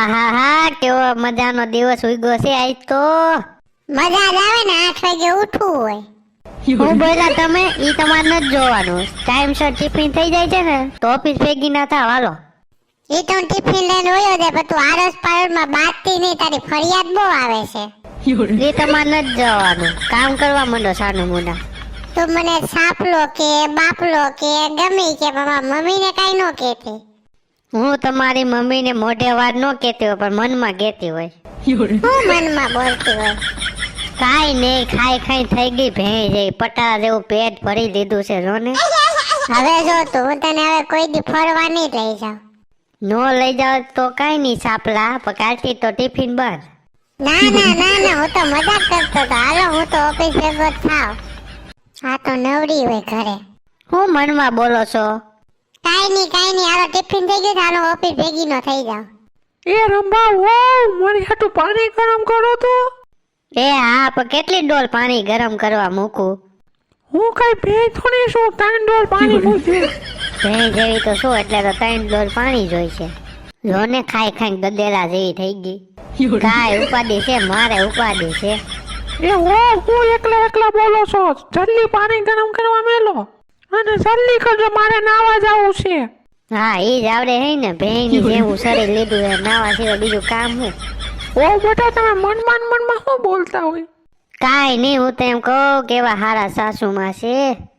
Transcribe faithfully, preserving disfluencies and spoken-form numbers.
આહા હા કેવો મજાનો દિવસ ઉગ્યો છે આજ તો મજા જ આવે ને આઠ વાગે ઉઠવું હોય. હું બોલા તમે ઈ તમારે નથી જોવાનું. ટાઈમસર ટિફિન થઈ જાય છે ને તો ઓફિસ ભેગી ના થાવ હાલો. એ તો હું ટિફિન લઈને વયો જાય પણ તું આરસ પારસમાં બાજતી નહીં, તારી ફરિયાદ બહુ આવે છે. એ તમારે નથી જવાનું, કામ કરવા માંડો સાનું મુંડા. તું મને સાપલો કે બાપલો કે ગમે કે મારા મમ્મીને કાઈ ન કહેતી. હું તમારી મમ્મીને મોઢે વાત ન કહેતી હોય પણ મનમાં કહેતી હોય. હું મનમાં બોલતી હોય. કાઈ નહીં, ખાઈ ખાઈ થઈ ગઈ ભેં જઈ પટારા જેવું પેટ ભરી લીધું છે જો ને. હવે જો તું હું તને હવે કોઈ દી ફરવા નહીં લઈ જાઉં. નો લઈ જાવ તો કાઈ નહીં સાપલા, પણ કાલથી તો ટિફિન બંધ. ના ના ના ના હું તો મજાક કરતો હતો. હાલો હું તો ઓફિસ ભેગો જ થાવ. આ તો નવરી હોય ઘરે. હું મનમાં બોલો છો? કાઈ નહીં કાઈ નહીં, હાલો ટિફિન થઈ ગયું, હાલો ઓફિસ ભેગી નો થઈ જાવ. એ રંભા વાવ મારી હાટુ પાણી ગરમ કરો તો. એ હા, પણ કેટલી ડોલ પાણી ગરમ કરવા મૂકું? હું કઈ ભેજ થોડી છું, ત્રણ ડોલ પાણી મૂકજે. ભેં જેવી તો શું, એટલે તો ત્રણ ડોલ પાણી જોઈશે. લોને ખાઈ ખાઈ ગદેલા જેવી થઈ ગઈ. કાય ઉપાડી છે, મારે ઉપાડી છે. એ ઓ હું એકલા એકલા બોલો છો, જલ્દી પાણી ગરમ કરવા મેલો અને જલ્દી કરજો, મારે નાવા જવું છે. હા ઈ જ આવડે હે ને, ભેંની જેવું શરીર લીધું છે, નાવા સિવાય બીજું કામ હું. ઓ બેટા તમે મનમાં મનમાં શું બોલતા હોય? કાઈ નહીં, હું તો એમ કહું કેવા હારા સાસુમાં છે.